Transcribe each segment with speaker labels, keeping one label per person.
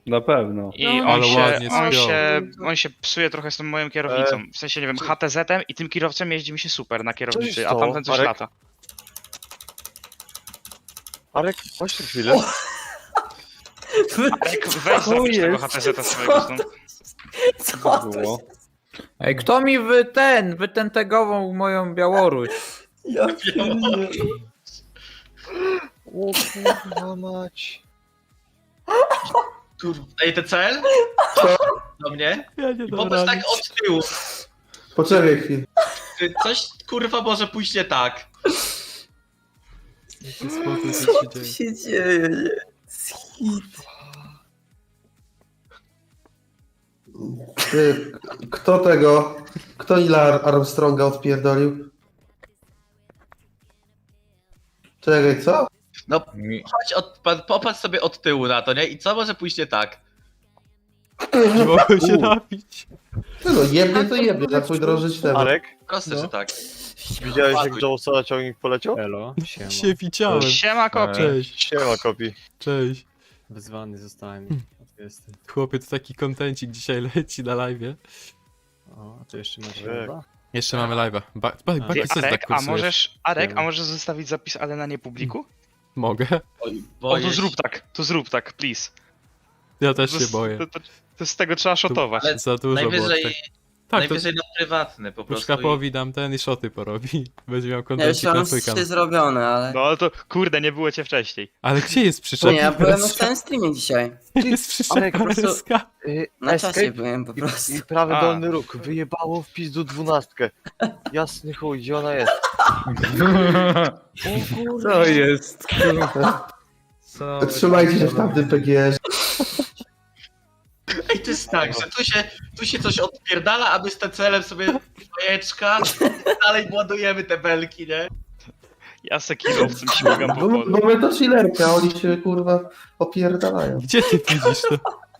Speaker 1: Na pewno.
Speaker 2: I
Speaker 3: No,
Speaker 2: on,
Speaker 4: ale
Speaker 2: się,
Speaker 4: ładnie
Speaker 2: on,
Speaker 4: spiął.
Speaker 2: się, on się psuje trochę z tą moją kierownicą. W sensie, nie wiem, HTZ-em i tym kierowcem jeździ mi się super na kierownicy, a
Speaker 5: stało?
Speaker 2: tamten coś
Speaker 5: Marek?
Speaker 2: lata.
Speaker 5: Arek, chodź na chwilę.
Speaker 2: Arek, weź zapisz tego HTZ-a swojego stąd.
Speaker 3: Co
Speaker 1: To
Speaker 3: to
Speaker 1: było.
Speaker 6: Ej, kto mi wytentegował moją Białoruś?
Speaker 3: Ja pierdolę.
Speaker 5: O kurwa mać.
Speaker 7: Ej, TCL? Do mnie?
Speaker 4: Ja nie
Speaker 7: I
Speaker 4: dam
Speaker 7: popatrz
Speaker 4: rady.
Speaker 7: tak od tyłu.
Speaker 8: Poczekaj chwilę.
Speaker 7: Coś kurwa może pójść nie tak.
Speaker 4: Jaki spokój,
Speaker 3: Co
Speaker 4: co się
Speaker 3: tu
Speaker 4: dzieje.
Speaker 3: się dzieje? Hit.
Speaker 8: Ty, kto Neila Armstronga odpierdolił? Czekaj, co?
Speaker 7: Chodź, popatrz sobie od tyłu na to, nie? I co może pójść nie tak?
Speaker 4: Nie mogłem się napić.
Speaker 8: Ty no, jebnie to jebnie, na twój drożyć temat.
Speaker 5: Arek,
Speaker 7: Proste,
Speaker 4: No.
Speaker 7: że tak.
Speaker 5: widziałeś jak Jonesa na ciągnik poleciał?
Speaker 1: Elo, siema.
Speaker 4: Się widziałem.
Speaker 2: Siema, kopi.
Speaker 4: Cześć,
Speaker 5: Siema, kopi.
Speaker 4: cześć.
Speaker 1: Wyzwany zostałem. Jestem.
Speaker 4: Chłopie, to taki kontencik dzisiaj leci na live'ie.
Speaker 1: O, a to jeszcze masz
Speaker 5: Tak.
Speaker 1: chyba?
Speaker 4: Jeszcze mamy live'a.
Speaker 2: Ty,
Speaker 4: Baki, co ty
Speaker 2: Arek,
Speaker 4: tak
Speaker 2: a
Speaker 4: kursujesz?
Speaker 2: możesz, Arek,
Speaker 1: Siema.
Speaker 2: a możesz zostawić zapis, ale na nie publiku?
Speaker 4: Mogę?
Speaker 7: Oj,
Speaker 2: O,
Speaker 7: boję
Speaker 2: to
Speaker 7: się.
Speaker 2: zrób tak, please.
Speaker 4: Ja też
Speaker 2: To
Speaker 4: się
Speaker 2: z-
Speaker 4: boję.
Speaker 2: To z tego trzeba szotować.
Speaker 7: Ale
Speaker 4: Za dużo było.
Speaker 7: najwyżej,
Speaker 4: Tak, tak to
Speaker 7: najwyżej na prywatny po prostu.
Speaker 4: Puszkapowi dam ten i szoty porobi. Będzie miał
Speaker 3: Ja już
Speaker 4: kontencik na
Speaker 3: mam
Speaker 4: pykan.
Speaker 3: 3 zrobione, ale...
Speaker 2: No ale to, kurde, nie było cię wcześniej.
Speaker 4: Ale gdzie jest przyczepa?
Speaker 3: Nie, ja byłem na całym streamie dzisiaj.
Speaker 4: Jest przyczepa
Speaker 5: Arek, po prostu-
Speaker 4: RSK.
Speaker 3: Na czasie
Speaker 5: Escape
Speaker 3: byłem po
Speaker 5: i,
Speaker 3: prostu.
Speaker 5: i prawy
Speaker 2: A.
Speaker 5: dolny róg. Wyjebało w pizdu 12. Jasny chuj, gdzie ona jest?
Speaker 6: Co jest? Co?
Speaker 8: Trzymajcie się w tamtym PGR.
Speaker 7: Ej, to jest tak, że tu się coś odpierdala, a my z TCL-em sobie bajeczka, dalej ładujemy te belki, nie?
Speaker 2: Ja se kierowcem śmigam po polu.
Speaker 8: Bo my to chillerka, oni się kurwa opierdalają.
Speaker 4: Gdzie ty widzisz to?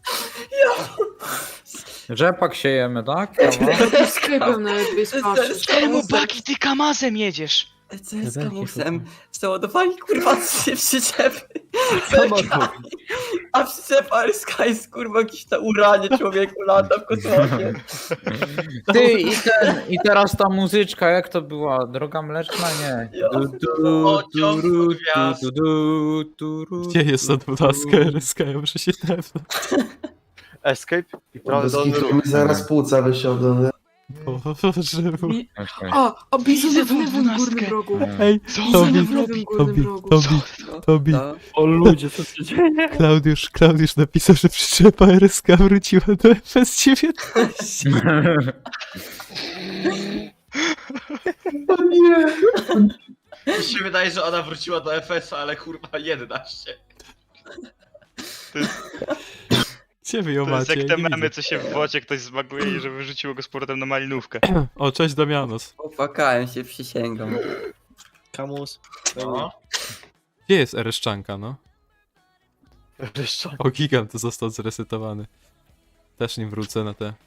Speaker 6: Rzepak siejemy, tak?
Speaker 9: Sklepem nawet wyspawszy.
Speaker 2: Czemu Baki, ty kamazem jedziesz?
Speaker 3: Co jest z kamusem? Załadowali kurwa 3 przyczepy. belkami. A przyczepa RSK jest kurwa jakieś na uranie człowieku lata w kosmosie.
Speaker 6: Ty i teraz ta muzyczka, jak to była? Droga mleczna? Nie.
Speaker 3: Ja.
Speaker 7: Pociąg gwiazd.
Speaker 4: Gdzie jest ta 12 RSK? Ja muszę się tepnąć.
Speaker 5: Escape i prawy dolny róg.
Speaker 8: Mi zaraz płuca wysiądą.
Speaker 4: Boże mój.
Speaker 9: A bizon w lewym górnym rogu.
Speaker 4: Ej,
Speaker 9: Bizon
Speaker 4: Tobi,
Speaker 9: w lewym górnym rogu.
Speaker 4: Tobi.
Speaker 3: No.
Speaker 1: O ludzie, co się dzieje?
Speaker 4: Klaudiusz napisał, że przyczepa RSK wróciła do FS9.
Speaker 8: O nie!
Speaker 7: Mi się wydaje, że ona wróciła do FS-a, ale kurwa 11.
Speaker 4: Gdzie wy ją
Speaker 2: To jest
Speaker 4: macie?
Speaker 2: jak
Speaker 4: Ja
Speaker 2: te
Speaker 4: nie
Speaker 2: memy,
Speaker 4: widzę.
Speaker 2: co się w wocie ktoś zbaguje i że wyrzuciło go z powrotem na malinówkę.
Speaker 4: O, cześć Damianos.
Speaker 3: Popłakałem się, przysięgam.
Speaker 5: Kamus.
Speaker 7: No.
Speaker 4: Gdzie jest RS-czanka, no?
Speaker 5: Ryszczak.
Speaker 4: O, gigant został zresetowany. Też nim wrócę na te...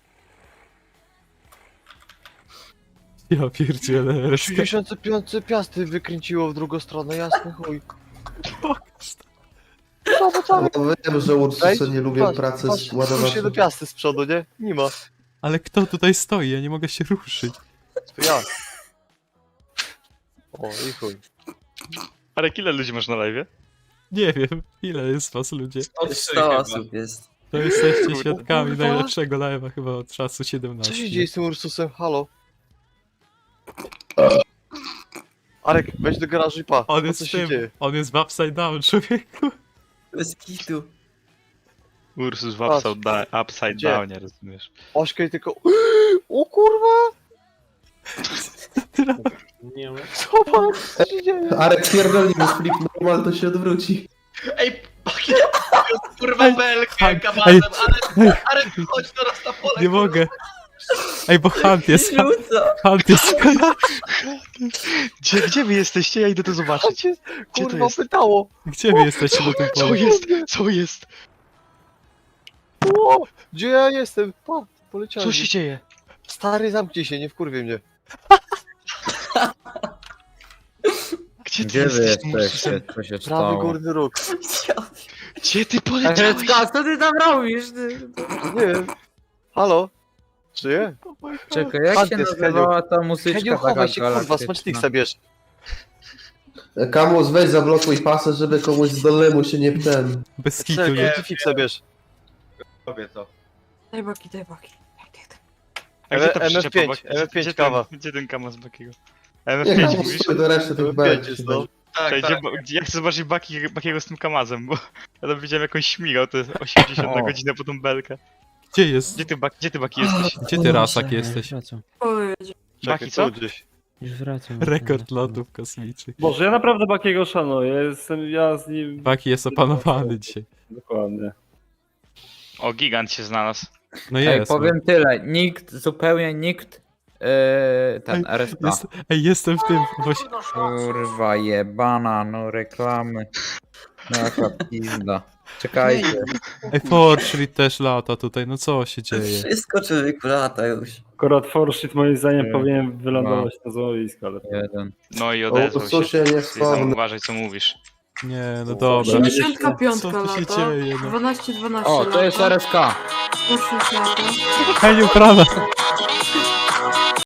Speaker 4: Ja pierdzielę RSK.
Speaker 5: 65 piasty wykręciło w drugą stronę, jasny chuj.
Speaker 8: No wiem, że Ursusy nie lubią
Speaker 5: Patrz,
Speaker 8: pracy
Speaker 5: patrz,
Speaker 8: z
Speaker 5: spójrz się
Speaker 8: ładowaczem.
Speaker 5: do piasty z przodu, nie? Nie ma.
Speaker 4: Ale kto tutaj stoi? Ja nie mogę się ruszyć.
Speaker 5: To ja. O, i chuj.
Speaker 2: Ale ile ludzi masz na live?
Speaker 4: Nie wiem, ile jest was ludzie.
Speaker 3: 100 osób jest.
Speaker 4: To jesteście
Speaker 2: Kurwa.
Speaker 4: świadkami najlepszego live'a chyba od czasu
Speaker 5: Co
Speaker 4: 17.
Speaker 5: się dzieje z tym Ursusem? Halo? Arek, wejdź do garażu i pa.
Speaker 4: On
Speaker 5: Co
Speaker 4: jest
Speaker 5: się
Speaker 4: tym,
Speaker 5: dzieje?
Speaker 4: on jest w upside down, człowieku.
Speaker 3: Bez kitu.
Speaker 2: Ursus w
Speaker 5: Patrz.
Speaker 2: upside
Speaker 5: Gdzie?
Speaker 2: down, nie rozumiesz.
Speaker 5: Ośka i tylko... O kurwa!
Speaker 1: Nie wiem.
Speaker 5: Zobacz, co się dzieje?
Speaker 8: Arek pierdolni, bo flip normal to się odwróci.
Speaker 7: Ej, Baki, kurwa belkę
Speaker 4: Ej,
Speaker 7: kawałkiem,
Speaker 4: ej.
Speaker 7: ale chodź teraz na pole.
Speaker 4: Nie mogę. Ej, bo Hunt jest,
Speaker 3: Rzuca.
Speaker 4: Hunt jest w kanale.
Speaker 2: Gdzie wy jesteście? Ja idę to zobaczyć.
Speaker 5: Cię,
Speaker 2: Gdzie to
Speaker 5: kurwa,
Speaker 2: jest?
Speaker 5: pytało.
Speaker 4: Gdzie wy jesteście na tym
Speaker 2: Co
Speaker 4: polu?
Speaker 2: jest? Co jest?
Speaker 5: O, gdzie ja jestem? Pa, poleciałem.
Speaker 2: Co się dzieje?
Speaker 5: Stary, zamknij się, nie wkurwie mnie.
Speaker 2: Gdzie ty
Speaker 6: Gdzie wy
Speaker 2: jesteś tym
Speaker 6: jesteście?
Speaker 2: Ursusem?
Speaker 6: Co się
Speaker 5: Prawy
Speaker 6: stało?
Speaker 5: górny róg.
Speaker 2: Gdzie ty poleciałeś?
Speaker 6: Eryska, co ty tam robisz? Ty?
Speaker 5: Nie wiem. Halo? Żyje?
Speaker 6: Czekaj, jak się
Speaker 5: Antes,
Speaker 6: nazywała ta muzyczka
Speaker 5: Heniu,
Speaker 6: taka
Speaker 5: chowaj się, kurwa,
Speaker 6: galaktyczna?
Speaker 5: smaczniksa bierz.
Speaker 8: Kamus, weź zablokuj pasę, żeby komuś z dolnemu się nie ten.
Speaker 4: Bez kitu,
Speaker 5: Cel,
Speaker 4: nie?
Speaker 5: fixa bierz.
Speaker 7: Robię to.
Speaker 9: Daj baki, daj baki.
Speaker 2: A gdzie to
Speaker 5: MF5,
Speaker 2: przyczepa Baki?
Speaker 5: MF5
Speaker 2: Gdzie
Speaker 5: kawa.
Speaker 2: Gdzie ten kamas Bakiego?
Speaker 8: Nie,
Speaker 2: MF5
Speaker 8: Kamus,
Speaker 2: mówisz?
Speaker 8: sobie do reszty tych belek.
Speaker 5: Będzie, no.
Speaker 7: Tak,
Speaker 2: Czekaj,
Speaker 7: tak.
Speaker 2: ja chcę zobaczyć Bakiego z tym kamazem, bo ja tam widziałem jakąś śmigał, to jest 80 na
Speaker 6: O.
Speaker 2: godzinę po tą belkę.
Speaker 4: Gdzie jest?
Speaker 2: Gdzie ty Baki jesteś?
Speaker 4: Gdzie ty, Rasak, jesteś?
Speaker 9: Powiedz.
Speaker 5: Czekaj,
Speaker 2: Baki, co?
Speaker 5: tu gdzieś.
Speaker 1: Już wracam.
Speaker 4: Rekord lotów kosmicznych.
Speaker 1: Boże, ja naprawdę Bakiego szanuję. Ja z nim...
Speaker 4: Baki jest opanowany dzisiaj.
Speaker 1: Dokładnie.
Speaker 2: O, gigant się znalazł.
Speaker 4: No
Speaker 6: Ej,
Speaker 4: jest.
Speaker 6: powiem tyle, zupełnie nikt, ten RSK.
Speaker 4: Jestem w tym. Właśnie,
Speaker 6: Kurwa jebana, no reklamy. No jaka pizda. Czekajcie.
Speaker 4: Fortnite też lata tutaj, no co się dzieje?
Speaker 3: Wszystko człowieku lata już.
Speaker 1: Akurat Forshit moim zdaniem
Speaker 6: Nie.
Speaker 1: powinien wylądować na złowisku, ale...
Speaker 6: Jeden.
Speaker 2: No i
Speaker 8: O,
Speaker 2: odezwał się.
Speaker 8: susie, nie
Speaker 2: Ty tam
Speaker 8: wspomnę.
Speaker 2: uważaj co mówisz.
Speaker 4: Nie, no dobra.
Speaker 9: 85
Speaker 4: Co tu się
Speaker 9: lata.
Speaker 4: dzieje, no?
Speaker 9: 12-12
Speaker 6: O, to jest
Speaker 9: lata.
Speaker 6: RSK.
Speaker 9: Poszło lata.
Speaker 4: Heniu, prawa!